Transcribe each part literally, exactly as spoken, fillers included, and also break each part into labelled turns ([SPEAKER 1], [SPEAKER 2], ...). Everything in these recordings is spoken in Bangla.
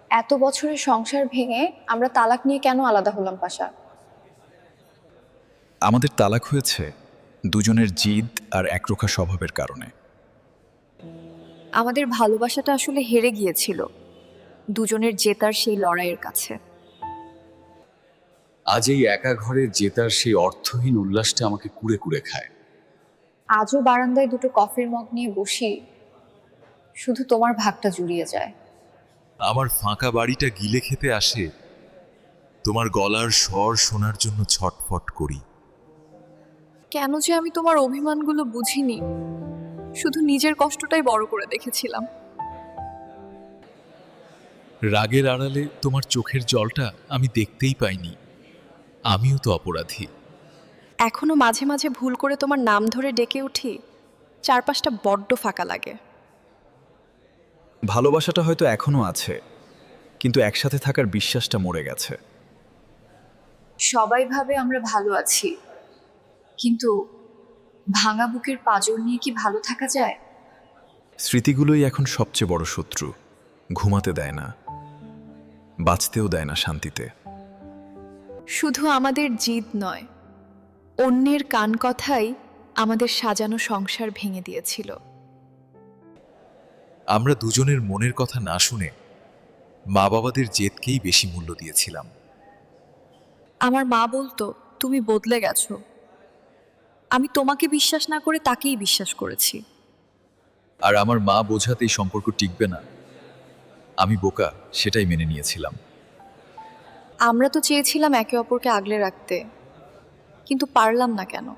[SPEAKER 1] এত বছরের সংসার ভেঙে আমরা তালাক নিয়ে কেন আলাদা হলাম পাশা?
[SPEAKER 2] আমাদের তালাক হয়েছে দুজনের জিদ আর একরোখা স্বভাবের কারণে।
[SPEAKER 3] আমাদের ভালোবাসাটা আসলে হেরে গিয়েছিল দুজনের জেতার সেই লড়াইয়ের কাছে।
[SPEAKER 4] আজ এই একা ঘরে জেতার সেই অর্থহীন উল্লাসটা আমাকে কুড়ে কুড়ে খায়।
[SPEAKER 1] আজও বারান্দায় দুটো কফির মগ নিয়ে বসি, শুধু তোমার ভাগটা জুড়িয়ে যায়।
[SPEAKER 5] আমার ফাঁকা বাড়িটা গিলে খেতে আসে, তোমার গলার স্বর শোনার জন্য ছটফট করি।
[SPEAKER 3] কেন যে আমি তোমার অভিমানগুলো বুঝিনি, শুধু নিজের কষ্টটাই বড় করে দেখেছিলাম।
[SPEAKER 5] রাগের আড়ালে তোমার চোখের জলটা আমি দেখতেই পাইনি, আমিও তো অপরাধী।
[SPEAKER 3] এখনো মাঝে মাঝে ভুল করে তোমার নাম ধরে ডেকে উঠি, চারপাশটা বড্ড ফাঁকা লাগে।
[SPEAKER 2] ভালোবাসাটা হয়তো এখনো আছে, কিন্তু একসাথে থাকার বিশ্বাসটা মরে গেছে।
[SPEAKER 1] সবাই ভাবে আমরা ভালো আছি, কিন্তু ভাঙা বুকের পাঁজর নিয়ে কি ভালো থাকা যায়?
[SPEAKER 2] স্মৃতিগুলোই এখন সবচেয়ে বড় শত্রু। ঘুমাতে দেয় না, বাঁচতেও দেয় না শান্তিতে।
[SPEAKER 3] শুধু আমাদের জিদ নয়, অন্যের কান কথাই আমাদের সাজানো সংসার ভেঙে দিয়েছিল।
[SPEAKER 5] আমরা দুজনের মনের কথা না শুনে মা বাবাদের জেদকেই বেশি মূল্য দিয়েছিলাম।
[SPEAKER 3] আমার মা বলতো তুমি বদলে গেছো, আমি তোমাকে বিশ্বাস না করে তাকেই বিশ্বাস করেছি।
[SPEAKER 5] আর আমার মা বোঝাতে এই সম্পর্ক টিকবে না, আমি বোকা সেটাই মেনে নিয়েছিলাম।
[SPEAKER 3] আমরা তো চেয়েছিলাম একে অপরকে আগলে রাখতে, কিন্তু পারলাম না কেন?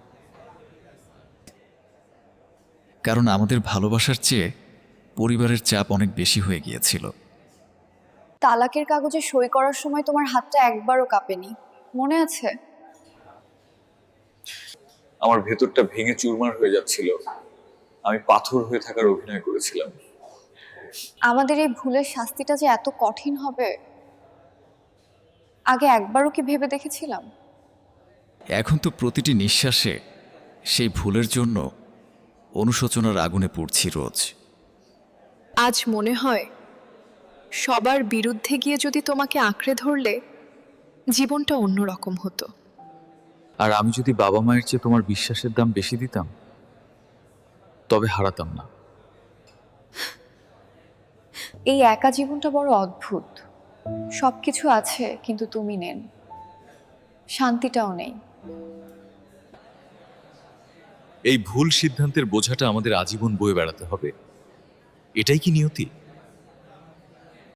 [SPEAKER 6] কারণ আমাদের ভালোবাসার চেয়ে পরিবারের চাপ অনেক বেশি হয়ে গিয়েছিল।
[SPEAKER 1] তালাকের কাগজে সই করার সময় তোমার হাতটা একবারও কাঁপেনি, মনে আছে?
[SPEAKER 4] আমার ভেতরটা ভেঙে চুরমার হয়ে যাচ্ছিল, আমি পাথর হয়ে থাকার অভিনয় করেছিলাম।
[SPEAKER 1] আমাদের এই ভুলের শাস্তিটা যে এত কঠিন হবে, আগে একবারও কি ভেবে দেখেছিলাম?
[SPEAKER 6] এখন তো প্রতিটি নিঃশ্বাসে সেই ভুলের জন্য অনুশোচনার আগুনে পুড়ছি রোজ।
[SPEAKER 3] আজ মনে হয় সবার বিরুদ্ধে গিয়ে যদি তোমাকে আঁকড়ে ধরলে জীবনটা অন্যরকম হতো।
[SPEAKER 4] আর আমি যদি বাবা মায়ের চেয়ে তোমার বিশ্বাসের দাম বেশি দিতাম, তবে হারাতাম না।
[SPEAKER 1] এই একা জীবনটা বড় অদ্ভুত। সবকিছু আছে, কিন্তু তুমি নেন, শান্তিটাও নেই।
[SPEAKER 5] এই ভুল সিদ্ধান্তের বোঝাটা আমাদের আজীবন বয়ে বেড়াতে হবে, এটাই কি নিয়তি?